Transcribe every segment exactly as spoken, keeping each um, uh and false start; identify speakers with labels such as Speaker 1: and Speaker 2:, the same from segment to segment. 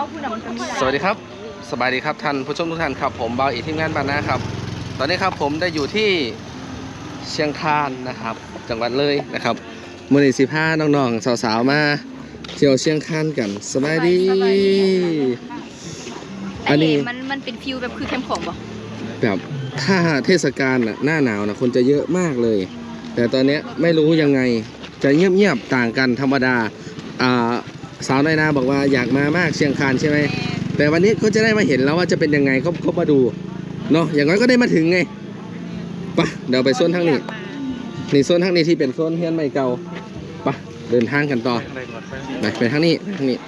Speaker 1: สวัสดีครับสบายดีครับท่านผู้ชมทุกท่านครับผมเบาอีกทีมงานบานนะครับตอนนี้ครับผมได้อยู่ที่เชียงคานนะครับจังหวัดเลยนะครับมือหนึ่งสิบห้าน้องๆสาวๆมาเที่ยวเชียงคานกันสบายดีอันนี้
Speaker 2: มันมันเป็นฟิวแบบคือแคมป์ของบ่
Speaker 1: แบบถ้าเทศกาลหน้าหนาวนะคนจะเยอะมากเลยแต่ตอนนี้ไม่รู้ยังไงจะเงียบๆต่างกันธรรมดาอ่าสาวน้อยนาบอกว่าอยากมามากเชียงคานใช่ไหมแต่วันนี้ก็จะได้มาเห็นแล้วว่าจะเป็นยังไงก็ก็มาดูเนาะอย่างน้อยก็ได้มาถึงไงปะเดี๋ยวไปโซนทางนี้นี่โซนทางนี้ที่เป็นโซนเฮียนใหม่เก่าปะเดินทางกันต่อไปไปทางนี้ทางนี้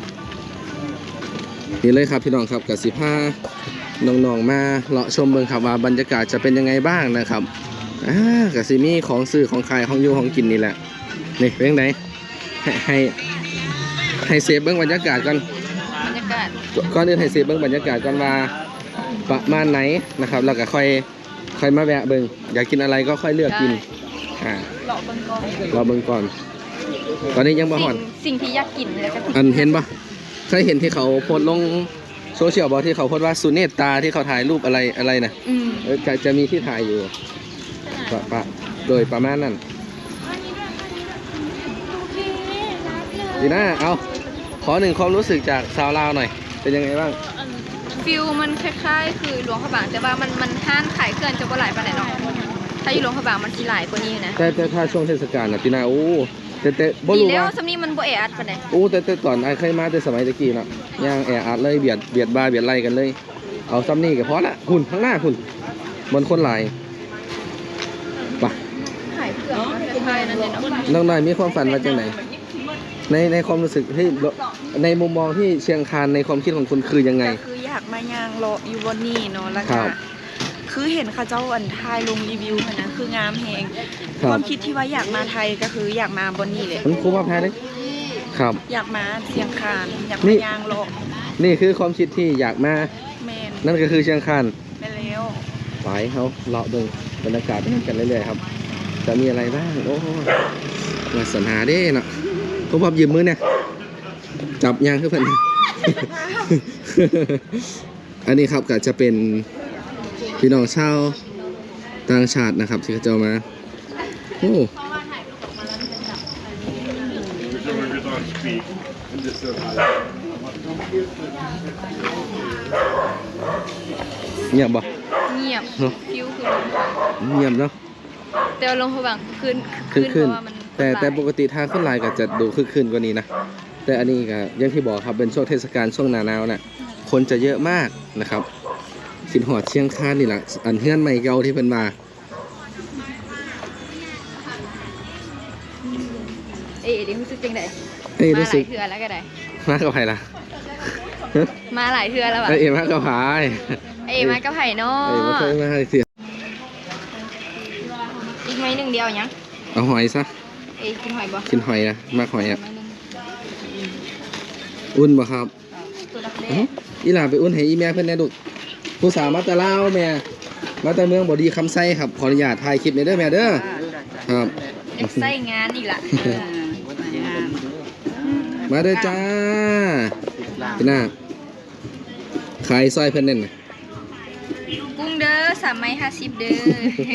Speaker 1: นี่เลยครับพี่น้องครับกับสิบห้าน้องๆมาเลาะชมเมืองครับว่าบรรยากาศจะเป็นยังไงบ้างนะครับอ่ากับซิมี่ของซื้อของขายของอยู่ของกินนี่แหละนี่เป็นยังไงให้ให้ให้เซฟเบื้องบรรยากาศกัน
Speaker 2: บรรยากาศ
Speaker 1: ก่อนอื่นให้เซฟเบื้องบรรยากาศกันว่าประมาณไหนนะครับแล้วก็ค่อยค่อยมาแวะเบื้องอยากกินอะไรก็ค่อยเลือกกินอ่า
Speaker 2: เลาะเบิ่งก่อน
Speaker 1: รอเบื้องก่อนตอนนี้ยังบ่ฮอด
Speaker 2: สิ่งที่อยากกินแล้วก็
Speaker 1: อันเห็นปะเคยเห็นที่เขาโพสต์ลงโซเชียลบอกที่เขาโพสต์ว่าสุเนตตาที่เขาถ่ายรูปอะไรอะไรนะจะจะมีที่ถ่ายอยู่ปะปะโดยประมาณนั้นดีนะเอาขอหนึ่งความรู้สึกจากสาวลาวหน่อยเป็นยังไงบ้าง
Speaker 2: ฟิวมันคล้ายๆคือหลวงพระบางแต่ว่ามันมันห้านขายเคลื่อนจะบ่หลายปานไหนเนาะถ้าอยู่หลวงพระบางมันสิหลายกว่านี้นะ
Speaker 1: แต่แต่ถ้าช่วงเทศกาลนะพี่นาโอ้แต่แต่บ่รู้ว่า
Speaker 2: แล้วสำนี้มันบ่แออัดปานไหน
Speaker 1: โอ้แต่แต่ก่อนไอ้เคยมาแต่สมัยตะกี้นะย่างแออัดเลยเบียดเบียดบ้าเบียดไล่กันเลยเอาซ้ำนี่ก็พอละคุณข้างหน้าคุณบนคนหลายปะ
Speaker 2: ขายเครื่องคล้ายๆนั่นแหละเนาะ
Speaker 1: น้องหน่อยมีความฝันว่าจังไหนในในความรู้สึกที่ในมุมมองที่เชียงคานในความคิดของคุณคือยังไง
Speaker 3: คืออยากมายางรออยู่บนนี่เนาะแล้วก็คือเห็นเขาเจ้าอันทายลงรีวิวนะคืองามแหงความคิดที่ว่าอยากมาไทยก็คืออยากมาบนนี่เลย
Speaker 1: มันคุ้มมากแพ้เลยครับ
Speaker 3: อยากมาเชียงคานอยากมายางรอ
Speaker 1: นี่คือความคิดที่อยากมานั่นก็คือเชียงคาน
Speaker 3: ไปแล้ว
Speaker 1: ไปเขาเลาะดูบรรยากาศกันเรื่อยๆครับจะมีอะไรบ้างโอ้มาสรรหาได้เนาะผมบอกยืมมือเนี่ยจับยางขึ้นเพื่อนอันนี้ครับก็จะเป็นพี่น้องชาวต่างชาตินะครับที่เขาจะมาโอ้เงียบบ่
Speaker 2: เงียบฟิวคือ
Speaker 1: เงียบเนาะ
Speaker 2: แต่ลงพระบางคืน
Speaker 1: คืนเพราะว่ามันแต่แต่ปกติทางขึ้นลายก็จะดูคึกคืนกว่านี้นะแต่อันนี้ก็อย่างที่บอกครับเป็นช่วงเทศกาลช่วงหนาหนาวน่ะคนจะเยอะมากนะครับสินหอดเชียงคานนี่แหละอันเฮือนใหม่เก่าที่เป็นมา
Speaker 2: เอ๊ะดิรู้สึกยังไง
Speaker 1: เอ๊ะรู้สึก
Speaker 2: มาหลายเทือแล้วก็ได้
Speaker 1: มากับไผ่ละ
Speaker 2: มาหลายเทือแล้วว่ะ
Speaker 1: เอ๊ะมากับไผ่
Speaker 2: เอ๊ะมากับไผ่เนาะ
Speaker 1: เอ๊ะมาเคยมาเสีย
Speaker 2: อีกไม้หนึ่งเดียวยัง
Speaker 1: เอาหอยซะ
Speaker 2: เอ๊ะกินหอยบ่
Speaker 1: กินหอยนะมากหอยอ่ะอุ่นบ่ครับอีหล่าไปอุ่นให้อีแม่เพื่อนแน่ดุผู้สาวมาแต่ลาวแม่มาแต่เมืองบ่ดีคำไส้ครับขออนุญาตถ่ายคลิปในเด้อแม่เด้อครับ
Speaker 2: ไส้งานอีกละ
Speaker 1: มาเด้อจ้าพี่น้าขายซอยเพื่อนเน่น
Speaker 2: กุ้งเด้อสามไม้ห้าสิบเด้อ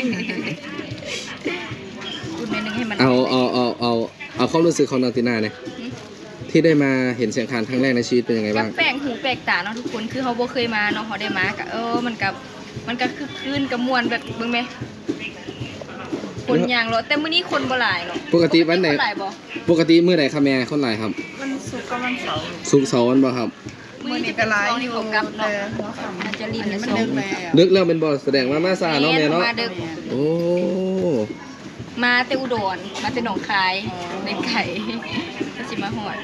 Speaker 2: กุ้งเมนึงให้มัน
Speaker 1: เอาเอาเอาเอาเอาความรู้สึกของน้องติน่าเนี่ยที่ได้มาเห็นเชียงคานครั้งแรกในชีวิตเป็นยังไงบ้าง
Speaker 2: แปลกหูแปลกตาเนาะทุกคนคือเขาบ่เคยมาเนาะเขาได้มากะเออมันกับมันก็คือคลื่นกับมวลแบบเบิ่งไหมคนยางรถแต่มื้อนี้คนบ่หลายเนาะ
Speaker 1: ปกติวันไหนปกติมื้อไหนครับแม่คนหลายครับ
Speaker 3: วันศุกร์กับวันเสาร์
Speaker 1: ศุกร์เสาร์วันบ่ครับ
Speaker 3: มื้อนี้ก็หลายอยู่
Speaker 2: กับเนาะมันจะลิ้นมันดึก
Speaker 1: แล้วดึกแล้วเป็นบ่แสดงว่ามาซาเนาะแม่เนาะโอ้
Speaker 2: มาแต่อุดรมาแต่หนองคายในไก่ก็สิมาหอด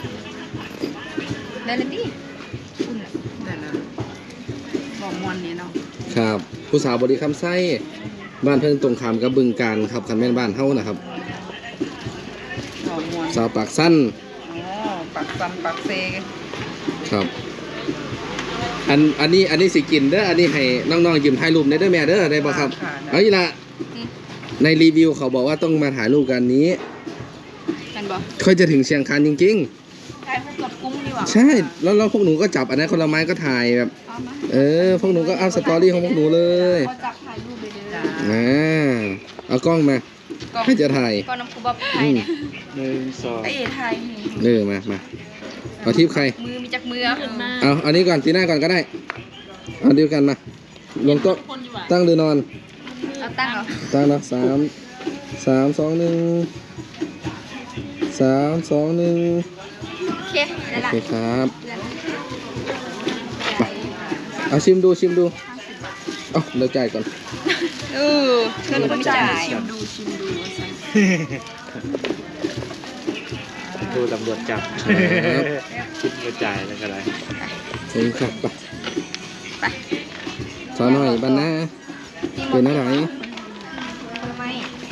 Speaker 2: ได้เลยดิคุณ
Speaker 3: ได้แล้วบอกมวนนี้เนาะ
Speaker 1: ครับผู้สาวบริคำไส้บ้านเพิ่นตรงข้ามกับบึงการครับคันแม่นบ้านเฮานะครับสาวปากสั้น
Speaker 3: อ๋อปากสั้นปากเซ
Speaker 1: ครับอันอันนี้อันนี้สิกินเด้ออันนี้ให้น้องๆยืมถ่ายรูปได้เด้อแม่เด้อได้บ่ครับเอาอีละในรีวิวเขาบอกว่าต้องมาถ่ายรูปกันนี้
Speaker 2: กันบ่
Speaker 1: ค่อยจะถึงเชียงคานจริง
Speaker 3: ๆถ่ายรูปกับกุ้งอยู่หว่า
Speaker 1: ใช่แล้วแล้วพวกหนูก็จับอันนั้นคนละไม้ก็ถ่ายแบบ
Speaker 3: เอามา
Speaker 1: เออพวกหนูก็อัพสตอรี่ของพวกหนูเลย
Speaker 3: เขาจับถ่ายรูปไปเลย
Speaker 1: อ่าเอากล้องมา
Speaker 2: กล้อง
Speaker 1: ให้จะถ่าย
Speaker 2: กล้องน้ำคูบอบไทยเนี่ย
Speaker 4: หนึ่งสอง
Speaker 3: ไอเอ๋ถ่ายนี่
Speaker 1: เออมามาเอาทิปใคร
Speaker 2: มือมีจักมือ
Speaker 1: เอาอันนี้ก่อนตีหน้าก่อนก็ได้เอาเดียวกันมาลงโต๊ะตั้งหรือนอน
Speaker 2: เอาตั้งเหรอ
Speaker 1: ตั้งเนาะสามสามสองหนึ่งสามสองหนึ่ง
Speaker 2: โอเคได้
Speaker 1: โอ
Speaker 2: ละ
Speaker 1: เคครับไปเอาชิมดูชิมดูเอ้าเราจ่ายก่อน
Speaker 2: เออเงินคนจ่าย
Speaker 3: ชิมดูชิมดูว่าซั่น
Speaker 4: ดูตำรวจจับคิดกระจายแล้วก็ไร
Speaker 1: เองครับไป
Speaker 2: ไป
Speaker 1: สาวหน่อยบ้านหน้าเป็นอะไร
Speaker 2: ทำไม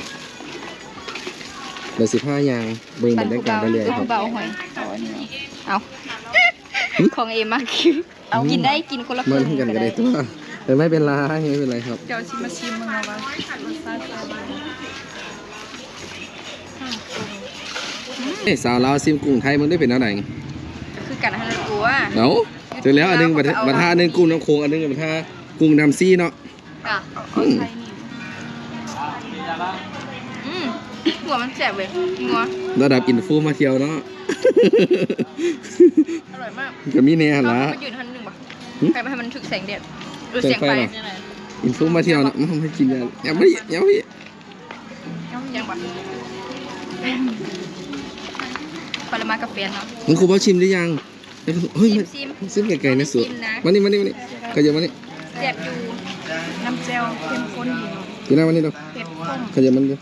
Speaker 1: เดี๋ยวสิบห้ายางเบิ่งบรรยากาศไปเลยครับ
Speaker 2: เบาหอยเอาอันนี้เอาของเอมากคือเอากินได้กินคนละค
Speaker 1: มัน
Speaker 2: รึ่ง
Speaker 1: กันก็ได้ตัวแต่ไม่เป็นไรไม่เป็นไรครับ
Speaker 3: เดี๋ยวชิมมาชิมมึงเอาว่ารสชาติเป็นยังไง
Speaker 1: เอ้ยสาวลาวซิมกุ้งไทยมันได้เป็นอะไร
Speaker 2: คือกันให้เราตัว
Speaker 1: เอ้าเจอแล้วอันหนึงบัตบัตรท่าอันหนึงกุ้งน้ำโขงอันหนึงบัตรท่ากุ้งน้ำซี่เนาะ
Speaker 2: อ่ะ
Speaker 3: เอาใช้นี่
Speaker 2: อืมหัวมันแสบเลยงัว
Speaker 1: ระดับอินฟูมาเที่ยวเนาะ
Speaker 2: อร่อยมาก
Speaker 1: ก็มีแน่
Speaker 2: เรา
Speaker 1: ละ
Speaker 2: มายืนทันหนึ่งป่ะ
Speaker 1: หึ
Speaker 2: ใครมาให้มันถึกแสงแดดหรือ
Speaker 1: แส
Speaker 2: เสี
Speaker 1: ง
Speaker 2: ยง
Speaker 1: ไฟ
Speaker 2: ไฟ
Speaker 1: เหรอ อินฟูมาเที่ยวเนาะมันไม่กินยาอย่าไม่อย่าไม่
Speaker 2: ยังป่ะปริมาณกาแฟเนาะ
Speaker 1: มึงครูบอชิมหรือยังเฮ้ย
Speaker 2: ซิม
Speaker 1: มันซิมไกลๆนะสุด
Speaker 2: ซิมนะ
Speaker 1: มานี่มานี่มานี่ขยับมานี่
Speaker 2: แสบอยู่
Speaker 3: น้ำเจลเข้มข้นดีเนาะ
Speaker 1: อยู่หน้ามานี่เรา
Speaker 3: เผ็ดข้น
Speaker 1: ขยับมันดู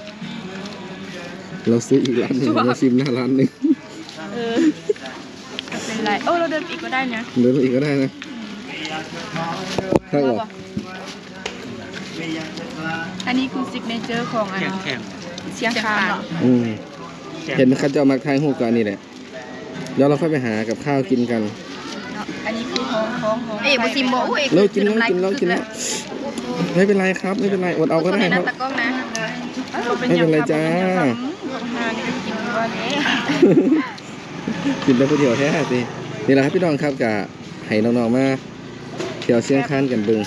Speaker 1: เราซื้ออีกร้านหนึ่งเราชิมหน้าร้านหนึ่ง
Speaker 3: เออจะเป็นไรเออเราเดินไปอีกก็ได้นะ
Speaker 1: เดินไปอีกก็ได้นะถ้าออก
Speaker 3: อันนี้คือซิกเนเจอร์ของอัน
Speaker 4: แข็งแข็ง
Speaker 3: เชียงคาน
Speaker 1: อืมเห็นเขาจะเอามาทายหูกันนี่แหละเดี๋ยวเราค่อยไปหากับข้าวกินกัน
Speaker 3: เนาะอันนี้คือของของของ
Speaker 2: เอ๊ะบุซิมโบโอ้ย
Speaker 1: เรากินแล้วกินแล้วกินแล้วไม่เป็นไรครับไม่เป็นไรอดเอาก็ได้ครับ
Speaker 2: ตะก้องนะ
Speaker 1: ไม่เป็นไรจ้า
Speaker 3: ของฮานก็กินว่าเนี้
Speaker 1: กินแล้วผู้เดียวแท้สินี่แหละครับพี่น้องครับกับให้น้องๆมาเที่ยวเชียงคานกันเบึง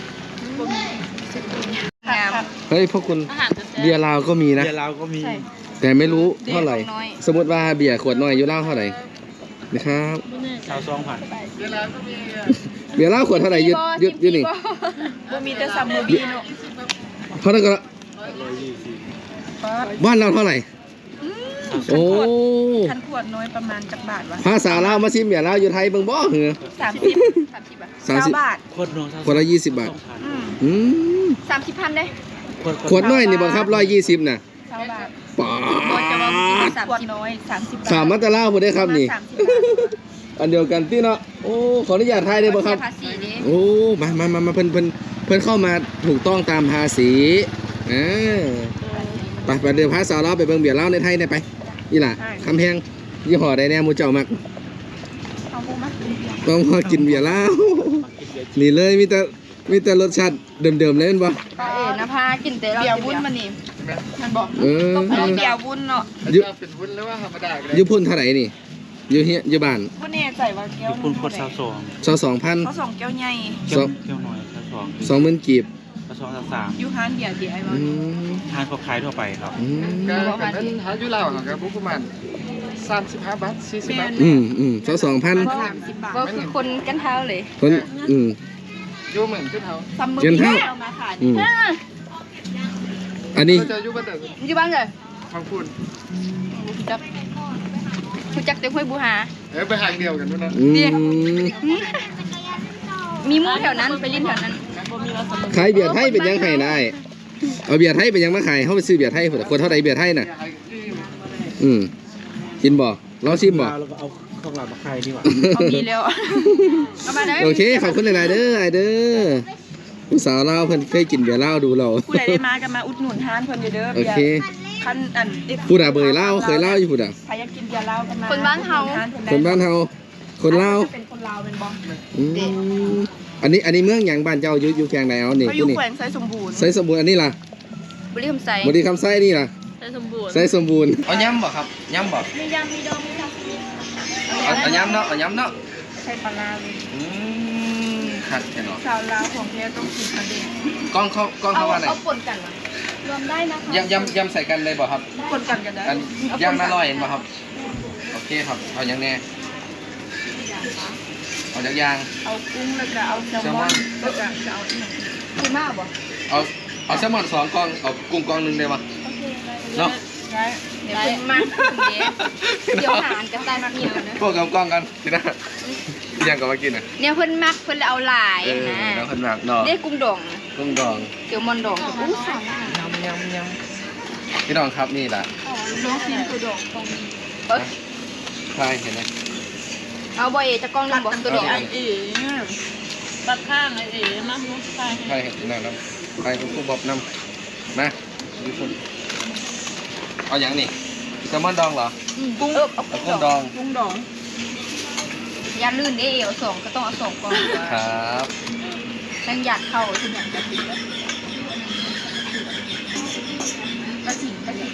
Speaker 2: งาม
Speaker 1: เฮ้ยพวกคุณเบียร์ลาวก็มีนะ
Speaker 4: เดี๋ยวเราก็มี
Speaker 1: แต่ไม่รู้เท่าไหร่
Speaker 2: เบียร์ของน้อย
Speaker 1: สมมติว่าเบียร์ขวดน้อยอยู่เหล้าเท่าไหร่นะครับ
Speaker 4: ชาวซองผ่าน
Speaker 1: เบียร์เหล้าขวดเท่าไหร่ยืดยืดยืดนี่
Speaker 3: บ่มีแต่ซัมเมอร์บีเนาะ
Speaker 1: เท่านั้นก็ละ
Speaker 4: ร้อยยี่สิบ
Speaker 1: บ้านเราเท่าไหร่โอ้
Speaker 3: คันขวดน้อยประมาณจักบาทวะ
Speaker 1: ภาษาลาวมาชิมเบียร์ลาวอยู่ไทยเบิ่งบ่เหรอ
Speaker 3: สามสิบ
Speaker 2: สามสิบอ่ะ
Speaker 1: สาม
Speaker 3: เก้า
Speaker 1: สิบบ
Speaker 3: าท
Speaker 4: โคตรน้องชาว
Speaker 1: คนละยี่สิบบาท
Speaker 3: อืม
Speaker 1: อืม
Speaker 2: สามสิบพันได้
Speaker 1: ขวดน้อยนี่บ่ครับร้อยยี่สิบน่ะ
Speaker 3: เก้าบาท
Speaker 1: ป๋า
Speaker 2: บอจะมากินสาม
Speaker 3: ขวด
Speaker 2: สิบ
Speaker 3: น้อยสามสิบบาท
Speaker 1: สามมัตตะลาวบ่ได้ครับนี่
Speaker 3: สามสิบบาท
Speaker 1: อันเดียวกันที่เนาะโอ้ขออนุญาตทายได้บ่ครับ
Speaker 2: ภาษีดิ
Speaker 1: โอ้มามามามาเพิ่นเพิ่นเพิ่นเข้ามาถูกต้องตามภาษีอ่าไปไปเดี๋ยวพาสาวเราไปเบิ่งเบียร์เหล้าในไทยได้ไปนี่ล่ะคำแพงยี่ห้อใดแน่หมูเจ้ามัก
Speaker 3: เอาบุมา
Speaker 1: ต้องมากินเบียร์เหล้านี่เลยมีแต่มีแต่รสชาติเดิมๆเลยแม่นบ่
Speaker 2: เอ๋นะพากินเตะเรา
Speaker 3: เบียร์วุ้นมานี่มันบอก
Speaker 1: เออ
Speaker 3: อันนี้เบียร์วุ้นเนาะ
Speaker 1: อยู่อยู่พุ่นเท่าไหร่นี่อยู่เฮียอยู่บ้าน
Speaker 3: วุ้นแน่ใจว่าแก้ว
Speaker 4: ญี่ปุ่นโคตรชาวซอง
Speaker 1: สองสองพัน
Speaker 3: เขาสองแก้วใหญ่
Speaker 4: เกี่ยวเกี่ยวหน่อยชาวซอง
Speaker 1: สองหมื่นกีบ
Speaker 4: ชาวซองชาวสาม
Speaker 3: ยูฮานเบียร์ดีไอ้วะ
Speaker 1: อืม
Speaker 4: ทานก็ขายทั่วไปครับ
Speaker 1: อืม
Speaker 5: ก็กันนั้นหาอยู่ลาวครับประมาณสามสิบห้าบาทสี่สิบบาท
Speaker 1: อืมอืมสองสองพัน
Speaker 3: สามสิบบาท
Speaker 2: ก็คือคนกันเท้าเลย
Speaker 1: คนอืม
Speaker 5: อยู่เหมือนขึ้นเขา
Speaker 3: ซัมเมอร์
Speaker 1: เงิน
Speaker 3: บี
Speaker 1: เท่า
Speaker 3: เอามาขาย
Speaker 1: อืมอันนี้
Speaker 5: ก็จะอยู่บ้านแต่
Speaker 2: อยู่บ้านเลย
Speaker 5: ฟังพูด
Speaker 2: คุณจักคุณจักเต็มห้วยบูหา
Speaker 5: เออไปทางเดียวกันนู่นนะ
Speaker 1: อืม
Speaker 2: มีหมู่แถวนั้นไปลิ้นแถวนั้น
Speaker 1: ขายเบียร์ไทยเป็นยังไงได้เอาเบียร์ไทยเป็นยังมาขายเขาไปซื้อเบียร์ไทยพุ่นน่ะคนเท่าไหร่เบียร์ไทยน่ะอืมกินบ่ลองชิมบ่
Speaker 4: เราก็เอาของเรามาขายดีกว่า
Speaker 3: เอาดีแล้ว
Speaker 2: เอามาเลย
Speaker 1: โอเคขอบคุณหลายๆเด้อไอเด้อผู้สาวเราวเพิ่นเคยกินเบียร์เหล้าดูเรา
Speaker 3: ผู้ใดได้มากันมาอุดหนุนทานเพิ่นเด้อ
Speaker 1: โอ
Speaker 3: เบีย
Speaker 1: เค
Speaker 3: ร์คันอัน
Speaker 1: ผู้ด่าเบยเหล้าเคยเหล้าอยู่ผู้ด่า
Speaker 3: ใครอยากกินเบียร์เหล้ากันมา
Speaker 2: คนบ้านเฮา
Speaker 1: คนบ้านเฮาคนเหล้า
Speaker 3: เป็นคนลาวเป็นบ่
Speaker 1: อืมอันนี้อันนี้เมืองหยังบ้านเจ้าอยู่อยู่แขวงไหนเอานี่
Speaker 3: เขาอ
Speaker 1: ผู้
Speaker 3: ยู่
Speaker 1: นี่
Speaker 3: แขวงไซสมบูรณ์
Speaker 1: ไสสมบูรณ์อันนี้ล่ะ
Speaker 2: บุรีคำไซ
Speaker 1: บ่ดีคำไส้นี่ล่ะ
Speaker 3: ไซสมบูรณ์
Speaker 1: ไสสมบูรณ์
Speaker 5: เอาย่ำบ่ครับย่ำบ่
Speaker 3: มียำมีดองมีดอง
Speaker 2: ย
Speaker 1: เอาเอาย้ำเนาะเอาย้ำเนาะ
Speaker 3: ใส่ปลาร้าเลย
Speaker 1: อืมคักแค่เนาะ
Speaker 3: ชาวลาวของแท้ต้องกินทะเล
Speaker 1: กล้องเขากล้อง
Speaker 2: เอา
Speaker 1: เขาว่าไหน
Speaker 2: เอาปนกันมารวมได้นะคะ
Speaker 1: ยำยำยำใส่กันเลยบ่ครับ
Speaker 3: คนกันกันได้
Speaker 1: อันย่างน่าร่อยเห็นบ่ครับโอเคครับเอาอย่างแน่เอาจากยาง
Speaker 3: เอากุ้งแล้วก็เอาแซลมอนแล้วก็จะเอาอีกหนึ่ง
Speaker 2: คุณมากบ่
Speaker 1: เอาเอาแซลมอนสองกล่องเอากุ้งกล่องหนึงได้บ่เนาะ
Speaker 3: ได้
Speaker 2: เดี๋ยวคุณมากเดี๋ยวหารกันได้มากเหนียวนะ
Speaker 1: พวกกับกล้องกันทีนะที่ยังก็มากินอ่ะ
Speaker 2: เนี่ยเพิ่นมักเพิ่นเลยเอาหลาย
Speaker 1: เออ
Speaker 2: นะ
Speaker 1: แล้วคนหนักเนาะ
Speaker 2: ได้กุ้งดอง
Speaker 1: กุ้งดอง
Speaker 2: เดี๋ยวมอนดองอู้สาม
Speaker 1: ยำยำยำพี่น้องครับนี่แหละ
Speaker 3: น้องกินคือดอกตรงนี้
Speaker 2: เอ้ย
Speaker 1: ใช่เห็นไหม
Speaker 2: เอาบ่เอจะกล้องหนึงบ่ตัวดอง
Speaker 1: เอา
Speaker 3: เอ๋ตัดข้างไอ้เอ๋มามุสไ
Speaker 1: ใช่เห็นน้ำน้ำใครคุณครูบอบน้ำมาดูคุณเอาอย่างนี่แซลมอนดองเหรอ
Speaker 2: กุ้งเออเอา
Speaker 1: เอา
Speaker 2: กุ้
Speaker 1: กุ้
Speaker 2: ง
Speaker 1: ง
Speaker 2: ด
Speaker 1: ด
Speaker 2: อง
Speaker 1: อง
Speaker 3: กุ้งดอง
Speaker 2: อย่าลื่นเด้เอาสองก็ต้องเอาสองกล่อง
Speaker 1: ครับ
Speaker 2: ตั้งอยากเข้าทุกอย่างจะติดแล้วกระถิ่นกระถิ่น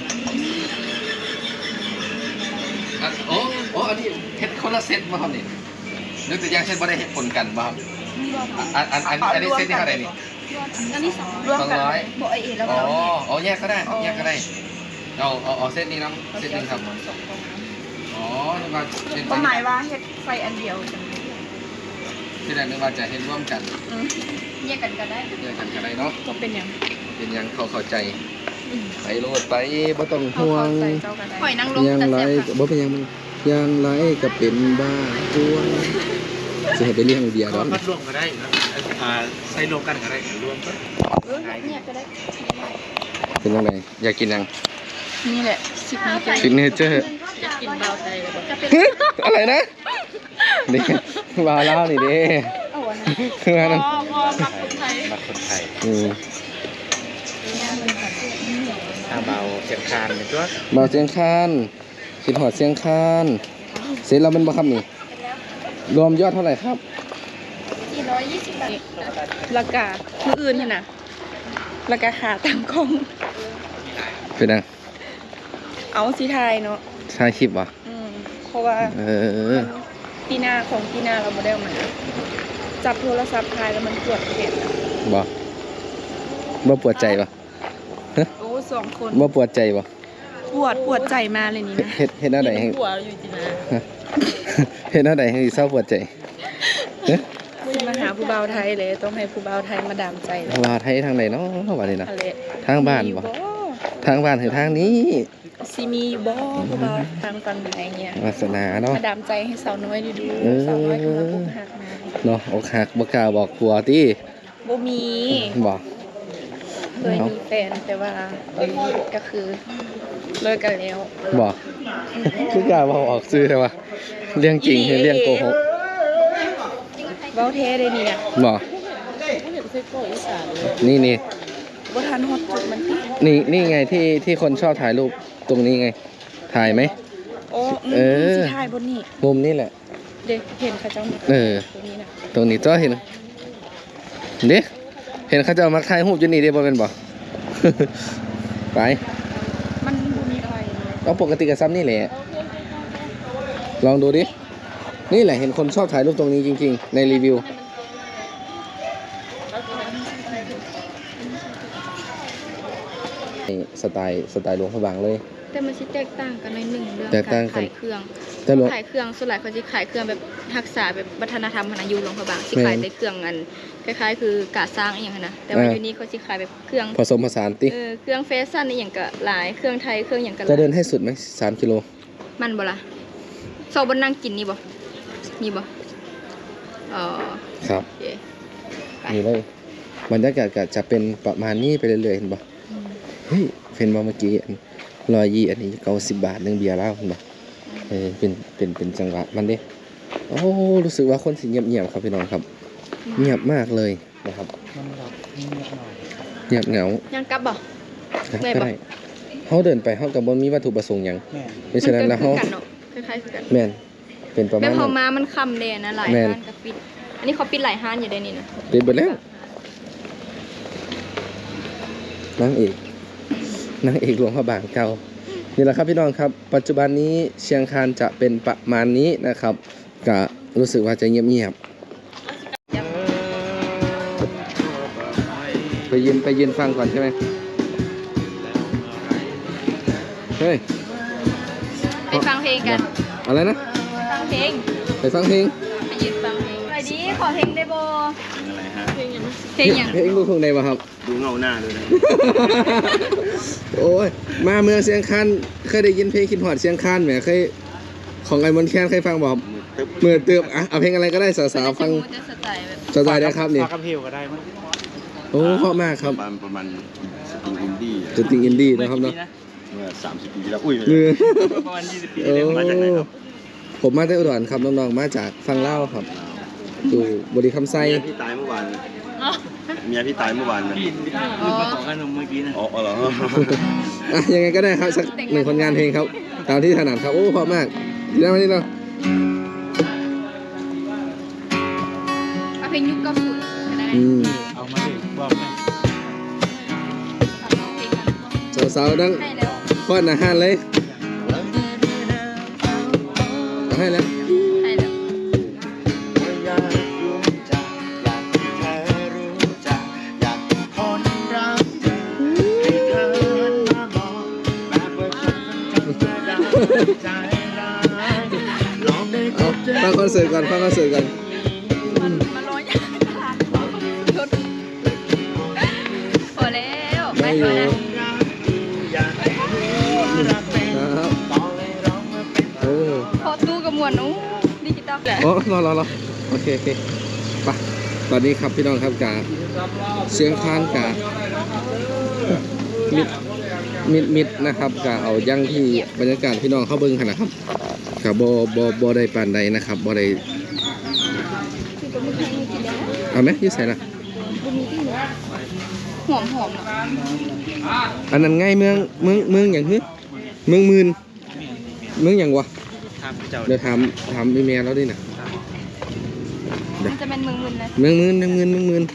Speaker 1: อ่ะโอ้โอ้อันนี้เฮ็ดคนละเซตมาครับนี่นึกแต่ยังเซตบ่ได้เฮ็ดผลกันบ่ครับอันอันอันอันนี้เซตนี่เท่าไหร่นี่
Speaker 2: อันนี้สอง
Speaker 3: รวม
Speaker 1: สอง
Speaker 3: กัน
Speaker 1: ร้อย
Speaker 2: บ่เอแล้ว
Speaker 1: อ๋อ
Speaker 2: ก็
Speaker 1: อ๋อแยกก็ได้แยกก็ได้เอาเอาเอาเซตนี้น้ำเซตหนึงครับอ๋อนึกว่าเฮ็ด
Speaker 3: ก็หมายว่าเฮ็ดไฟอันเดียวจัง
Speaker 1: ที่แรกนึกว่าจะเฮ็ดร่วมกัน
Speaker 2: แยกกันก็ได้
Speaker 1: แยกกันก็ได้เนาะ
Speaker 3: ก็เป็นอย่าง
Speaker 1: เป็นหยังเขาเข้าใจไปโลดไปบ่ต้อง
Speaker 3: เขา
Speaker 1: ห่ว
Speaker 3: เข้าง ใจเจ้ากันได้
Speaker 2: หอยนางรม
Speaker 1: ยัง
Speaker 2: แต่
Speaker 1: ไร
Speaker 2: แซ่บค่ะ
Speaker 1: บ่เป็นหยังยังไรก็เป็นบ้าตัวจะให้ไปเลี้ยงเบียร์
Speaker 4: ก็
Speaker 1: ดอก
Speaker 4: พัดรวมก็ได้นะอ่าใส่รวมกันก็ได้รวมก็
Speaker 2: เออเนี่ยก็ได้
Speaker 1: เป็นยังไงอยากกินยัง
Speaker 3: นี่แหละสิบนี้จะ
Speaker 1: ซิกเนเจอร์
Speaker 3: กินเบาใจเลยบอก
Speaker 2: จะเป็น
Speaker 1: อะไรนะนี่มาเล่านี่เด้
Speaker 2: เอาอันนั้น
Speaker 1: คืออันนั้น
Speaker 3: พอพอมาคนไทย
Speaker 4: มาคนไทย
Speaker 1: อืม
Speaker 4: ถ้าเบาเสียงคานเป็นตัว
Speaker 1: เบาเสียงคานคิดหอดเสียงคานเสร็จแล้วมันบ่ครับนี่รวมยอดเท่าไหร่ครับ
Speaker 2: สี่ร้อยยี่สิบบาท
Speaker 3: ราคามืออื่นเนี่ยนะราคาขาตามกล้อง
Speaker 1: เป็นยัง
Speaker 3: เอาสีไทยเนาะ
Speaker 1: ใช่คลิปวะ
Speaker 3: อืมเพราะว่า
Speaker 1: เออ
Speaker 3: ปีหน้าของปีหน้าเราไม่ได้เอามาจับโทรศัพท์ถ่ายแล้วมันปวดแขน
Speaker 1: บ่บ่ปวดใจบ่
Speaker 3: โอ้สองคน
Speaker 1: บ่ปวดใจบ่
Speaker 3: ปวดปวดใจมาเลยนี่นะ
Speaker 1: เฮ็ดเฮ็ดแนวใดให้
Speaker 3: ปวดอยู่จีนะ
Speaker 1: เฮ็ดแนวใดให้เศร้าปวดใจเฮ้ย
Speaker 3: มาหาผู้บ่าวไทยเลยต้องให้ผู้บ่าวไทยมาดามใจเลย
Speaker 1: ว่าไทยทางไหนเนาะว่านี่นะ
Speaker 3: ทะเล
Speaker 1: ทางบ้านบ่ทางบ้านคือทางนี้
Speaker 3: ซีมีอยู่บ่ผู้บ่าวทางฝั่งไหนเงี้ยว
Speaker 1: าสนาเนาะ
Speaker 3: มาดามใจให้สาวน้อยดูดู
Speaker 1: เออ
Speaker 3: สาวน้อยกำลังอกหักมา
Speaker 1: เนาะอกหักบ่กล้าบอกผัวติ
Speaker 3: บ่มี
Speaker 1: บ่
Speaker 3: เคยมีแฟนแต่ว่าตอนนี้ก็คือเลิกกันแล้ว
Speaker 1: บ่คือกล้าบอกออกซื่อแต่ว่าเรื่องจริงคือเรื่องโกหก
Speaker 3: เว้าแท้ได้นี่นะ
Speaker 1: บ่นี่นี่
Speaker 3: บ่ทันฮอดจุดมันติ
Speaker 1: นี่นี่ไงที่ที่คนชอบถ่ายรูปตรงนี้ไง ถ่ายไหม
Speaker 3: โอ้
Speaker 1: เออ
Speaker 3: สิถ่ายบนนี่
Speaker 1: มุมนี่แหละ
Speaker 3: เด็กเห็นเขาเจ้ามา
Speaker 1: เออ
Speaker 3: ตรงนี้นะ
Speaker 1: ตรงนี้จ้อเห็นเด้เห็นเขาจะเอามักถ่ายรูปอยู่นี่เด้บ่เป็นบ่ ไป
Speaker 3: มันบ่มีไฟเลย
Speaker 1: เอาปกติกับซ้ำนี่แหละ ลองดูดิ นี่แหละเห็นคนชอบถ่ายรูปตรงนี้จริงๆ ในรีวิว สไตล์สไตล์หลวงพระบางเลย
Speaker 2: แต่มันสิแตกต่างกันในหนึ่งเรื่อง
Speaker 1: แตกต่างกัน
Speaker 2: ขายเครื่อง
Speaker 1: แต่หลวง
Speaker 2: ขายเครื่องส่วนหลายเขาจะขายเครื่องแบบรักษาแบบวัฒนธรรมพนายูหลวงพระบางสิ
Speaker 1: แม่น
Speaker 2: ขายแต่เครื่องอันคล้ายๆ คือกาสร้างอหย่างนั้นนะแต่ว่า
Speaker 1: อ่า
Speaker 2: อยู่นี่เขาสิขายแบบเครื่อง
Speaker 1: ผสมผสานติ
Speaker 2: เออเครื่องแฟชั่นอหย่างก็หลายเครื่องไทยเครื่องอย่างก็ห
Speaker 1: จะ
Speaker 2: ลาย
Speaker 1: เดินให้สุดไหมสามกิโล
Speaker 2: มันบ่ล่ะโซบนนั่งกินนี่บ่นี่บ่อ๋อ
Speaker 1: ครับ
Speaker 2: โอเคไป
Speaker 1: นี่เลยบรรยากาศก็จะเป็นประมาณนี้ไปเรื่อยๆเห็นปะเฮ้ยเป็นมาเมื่อกี้รอยยี่อันนี้เก้าสิบบาทหนึ่งเบียร์แล้วเห็นปะเออเป็นเป็นเป็นจังหวะมันเด้โอ้รู้สึกว่าคนสิเงียบๆครับพี่น้องครับ เงียบมากเลยนะครับเงียบเหงา
Speaker 2: ยังกลับบ่ ได้
Speaker 1: ก็
Speaker 2: ปะ
Speaker 1: ได้เขาเดินไปเขากับบนมีวัตถุประสงค์หยังเพราะฉะนั้นแล้ว
Speaker 2: มั
Speaker 1: เขา
Speaker 2: ก็คือกันเนาะคล้ายๆคือกัน
Speaker 1: แม่นเป็นประ
Speaker 2: แม่
Speaker 1: มาณ
Speaker 2: พอ
Speaker 1: นั้น
Speaker 2: มามันค่ำเลยนะหลาย
Speaker 1: แม่น
Speaker 2: ห้านก็ปิด อันนี้เขาปิดหลายห้านอยู่ได้นี่นะ
Speaker 1: เป็นไปแล้วนางเอกนางเอกหลวงพระบางเก่านี่แหละครับพี่น้องครับปัจจุบันนี้เชียงคานจะเป็นประมาณนี้นะครับก็รู้สึกว่าจะเงียบๆไปยืนไปยืนฟังก่อนใช่ไหมเฮ้ย
Speaker 2: ไปฟังเพลงกัน
Speaker 1: อะไรนะ
Speaker 2: ฟังเพลง
Speaker 1: ไปฟังเพลง
Speaker 2: ไปยืนฟังเพลงไปดีขอเพลงได้บ่
Speaker 4: อะไรฮะ
Speaker 2: เพลงอย่างเพลงอย่าง
Speaker 1: เพลงลูกทุ่งใดวะครับ
Speaker 4: ดูเงาหน้าด้วยนะ
Speaker 1: โอ้ยมาเมืองเชียงคานเคยได้ยินเพลงคิดหอดเชียงคานไหมเคยของไอ้มนต์แคนเคยฟังบอกเมื่อเติบอ่ะเอาเพลงอะไรก็ได้สาวๆฟัง
Speaker 2: จะสไตล์แบบ
Speaker 1: สไตล์ได้ครับนี่
Speaker 4: ฝากกับเพลก็ได้มั้ง
Speaker 1: โอ้เพราะมากครับ
Speaker 6: ประมาณประมาณสตริงอินดี้
Speaker 1: จะติงอินดี้นะครับเนาะ
Speaker 6: เมื่อสามสิบปีที่แล้วอุ้ย
Speaker 1: มือ
Speaker 4: ประมาณยี่สิบปี
Speaker 1: โอ้
Speaker 4: เลยมาจากไหนครับ
Speaker 1: ผมมาจากอุดรครับน้องๆมาจากฟังเล่าวครับอยู่บริคำไซ
Speaker 6: เมียพี่ตายเมื่อวานเมียพี่ตายเมื่อวานนะ
Speaker 4: พี่ลืมมาขอขนมเมื่อกี้นะ
Speaker 6: อ๋ออ๋อเหรอ
Speaker 1: อ่ะยังไงก็ได้ครับสักหนึ่งผลงานเพลงครับตามที่ถนัดครับโอ้เพราะมากดีนะวันนี้เนาะ
Speaker 2: เอาเพลงยุคเก้าสิบก็ได้
Speaker 1: อืม
Speaker 4: เอามาเลยบอกนะ
Speaker 2: ฟังเพลงกัน
Speaker 1: สาวๆดัง
Speaker 2: ได้แล้ว
Speaker 1: ป้อนอาหารเลยเอาให้แล้ว
Speaker 2: ได้แล้ว
Speaker 6: อยากรู้จักอยากให้เธอรู้จักอยากเป็นคนรักเธอให้เธอมามองแบบว่าฉันเป็นคนธรรมดาใจร้ายลองได้พ
Speaker 1: เอา
Speaker 6: บเจอ
Speaker 1: ฟังคอนเสิร์ตก่อนฟังคอนเสิร์ตก่อน
Speaker 2: มันมันร้อยยากชุดพอแล้วไป
Speaker 1: ไม่อ
Speaker 2: ก่อยู่ นนะ
Speaker 6: อยากให้รู้รักเป็น
Speaker 1: ครับ
Speaker 6: ต้องให้ร้องมาเป็น
Speaker 1: โอ้
Speaker 2: พอตู้กับมวนนู้ดิจิตอล
Speaker 1: โอ้รอรอรอโอเคโอเคไปตอนนี้ครับพี่น้องครับกาเสียงคานกามิดมิดมิดนะครับกาเอายั่งที่บรรยากาศพี่น้องเข้าเบิ้งขนาดครับกาบอบอบอได้ปานใดนะครับบอได้เอาไหมยืดใส่ละ
Speaker 2: หอมหอมเนาะ
Speaker 1: อันนั้นไงเมืองเมืองเมืองอย่างฮึเมืองมืนเมืองอย่างวะ
Speaker 4: ทำเจ้า
Speaker 1: เดี๋ยวถามถามพี่แม่แล้วดินะ
Speaker 2: มันจะเป็นเมืองมึนนะ
Speaker 1: เมืองมืนเมืองมืนเมืองมืน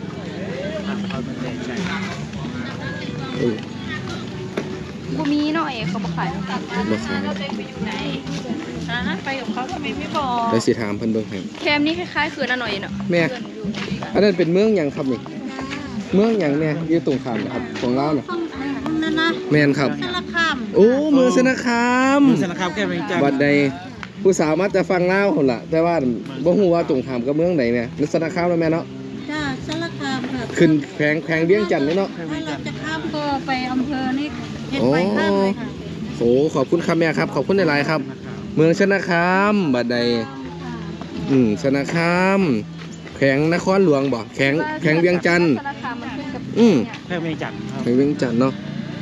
Speaker 1: เออ
Speaker 2: กูมีหน่อยเขาบอกขาย
Speaker 1: บ่ขาย
Speaker 3: ฮะไปกับเขาทำไมไม่บอก
Speaker 1: เดี๋ยวสิถามเพิ่นเบิ่งให้
Speaker 2: แคมนี่คล้ายๆคือน่าหน่อยเนาะ
Speaker 1: แม่อันนั้นเป็นเมืองหยังครับนี่เมืองหยังแม่อยู่ตรงข้ามนะครับของลาวน่ะ
Speaker 3: นั่นนะ
Speaker 1: แม่นครับ
Speaker 3: สารคาม
Speaker 1: โอ้เมืองสนคาม
Speaker 4: มึงสารคามแค่เพียงจัง
Speaker 1: บัดใดผู้สาวมาแต่ฟังลาวพุ่นล่ะแต่ว่าบ่ฮู้ว่าตรงข้ามกับเมืองใดแม่มันสนคามแล้วแม่เนาะ
Speaker 3: จ้าสารคามค่ะ
Speaker 1: ขึ้นแขวงแขวงเวียงจันทน์นี่เนาะ
Speaker 3: ถ้าเราจะข้ามก็ไปอำเภอนี่เห็น
Speaker 1: โอ้
Speaker 3: ไปข้ามเลยค่ะ
Speaker 1: โอ้ขอบคุณครับแม่ครับขอบคุณหลายๆครับ เมืองชนะคามบัดใดอืมชนะคามแขวงนครหลวงบ่แขวงแขวงเวียงจันทน์
Speaker 2: สารคามมันขึ้นกับ
Speaker 1: อืม
Speaker 4: แค่เพียงจังครับ
Speaker 1: แขวงเวียงจันทน์เนาะ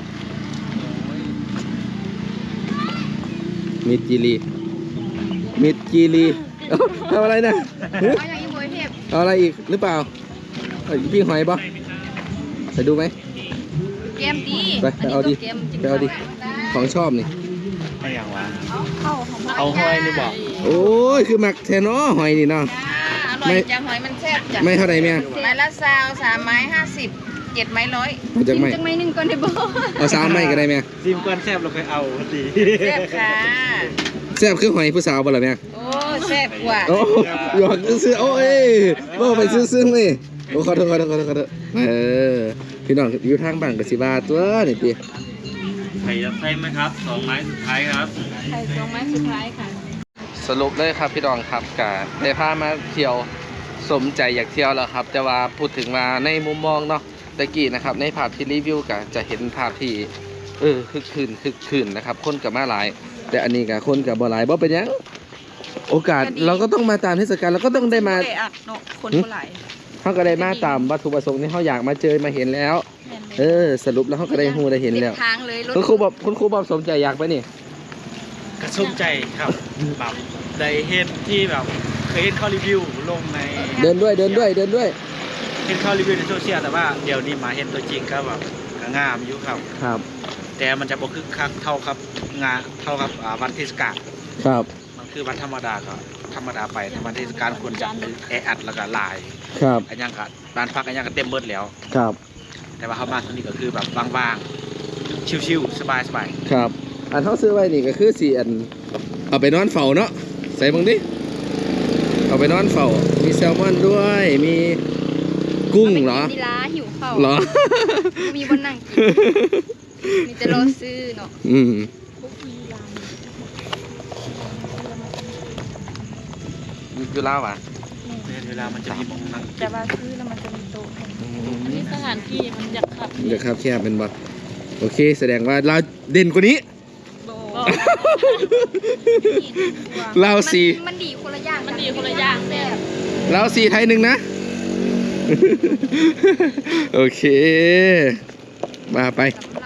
Speaker 1: มิดจีรีมิดจีรีเอ้าทำอะไรนะหึ
Speaker 2: เอาอย่างนี้โวยเทพ
Speaker 1: เอาอะไรอีกหรือเปล่าเอาพี่หอยบ่ไปดูไหม
Speaker 2: เกมดี
Speaker 1: ไปไปเอาดิ
Speaker 2: นนี้ก็กมจริงๆ
Speaker 1: ไปเอาดิ ของชอบนี่
Speaker 4: ไม่อย่างวะ
Speaker 2: เข้าของ
Speaker 4: เอาห้อยนี่บอก
Speaker 1: โอ้ยคือหมักแทนอหอยนี่เนาะ
Speaker 3: อร่อยจังหอยมันแซ่บจ้ะ
Speaker 1: ไม่เท่าไหร่แม่
Speaker 3: ไม้ละซาวสามไม้ห้าสิบเจ็ดไม้ร้อย
Speaker 1: เอาจาก
Speaker 2: กิน
Speaker 1: ไม่
Speaker 2: จังไหมหนึ่งก่อนได้บ่
Speaker 1: เอาสามไม่ก็ได้แม่
Speaker 4: ซิมก้อนแซบเราเคยเอาสิ
Speaker 3: แซ่บค่ะ
Speaker 1: แซ่บคือหอยผู้สาวบ่ล่ะแม่
Speaker 3: โอ้แซ่บกว่า
Speaker 1: โอ้หยอกซื้อๆโอ้ยบ่ไปซื้อๆนี่โอ้ขอโทษขอโทษขอโทษขอโทษเออพี่น้องอยู่ทางบ้านก็สิว่าตัวนี่ติ
Speaker 4: ไข่ยัดไส้ไหมครับสองไม้สุดท้ายครับ
Speaker 2: ไข่สองไม้สุดท้ายค่ะ
Speaker 1: สรุปเลยครับพี่น้องครับกะได้พามาเที่ยวสมใจอยากเที่ยวแล้วครับ แต่ว่าพูดถึงมาในมุมมองเนาะตะกี้นะครับในภาพที่รีวิวกะจะเห็นภาพที่เออคึกคืนคึกคืนนะครับคนกับมาหลาย แต่อันนี้กะคนกับบ่หลายบ่เป็นหยังโอกาสเราก็ต้องมาตามเทศกาลเราก็ต้องได้มา
Speaker 3: เอัดเนาะคนผู้หลาย
Speaker 1: เขาก็ได้มาตามวัตถุประสงค์ที่เขาอยากมาเจอมาเห็นแล้ว เออ สรุปแล้วเขาก็ได้ฮู้ได้เห็นแล้ว
Speaker 2: ทางเลยรถ
Speaker 1: คุณครูบอกคุณครูบอกสมใจอยากไปนี่
Speaker 4: กระชุ่มใจครับแบบได้เห็นที่แบบเคยเห็นเขารีวิวลงใน
Speaker 1: เดินด้วยเดินด้วยเดินด้วย
Speaker 4: เห็นเขารีวิวในโซเชียลแต่ว่าเดี๋ยวนี้มาเห็นตัวจริงก็แบบก็งามอยู่ครับ
Speaker 1: ครับ
Speaker 4: แต่มันจะบ่คึกคักเท่าครับงานเท่ากับอ่าวันเทศกาล
Speaker 1: ครับ
Speaker 4: มันคือวันธรรมดาก็ธรรมดาไปแต่วันเทศกาลควรจะแออัดแล้วก็หลาย
Speaker 1: ครับ
Speaker 4: อันยังก็บ้านพักอันยังก็เต็มเบิดแล้ว
Speaker 1: ครับ
Speaker 4: แต่ว่าเขามาตรงนี้ก็คือแบบว่างๆชิวๆสบายๆ
Speaker 1: ครับอันเขาซื้อไว้นี่ก็คือสี่อันเอาไปนอนเฝ้าเนาะใส่บังดิเอาไปนอนเฝ้ามีแซลมอนด้วยมีกุ้งเหรอ
Speaker 2: าไปกินที่ร้านหิวข้าว
Speaker 1: เหรอ
Speaker 2: มีบนนั่งกินมีแต่รอซื้อเนาะ
Speaker 1: อืมอยู่ลาวอ่ะ
Speaker 4: เวลามันจะมีมองนั่ง
Speaker 3: แต่ว่าซื้อแล้วมันจะมีโต๊ะให้
Speaker 7: นี่สถานที่มันอยากขับ
Speaker 1: เดี๋ยวครับแคบเป็นบ่โอเค แสดงว่าเราเด่นกว่านี้ เราสี่
Speaker 2: มันมันดีคนละอย่าง
Speaker 7: มันดีคนละอย่างแต่
Speaker 1: เราสี่ไทยหนึ่งนะ โอเค มาไป
Speaker 2: สำหรับ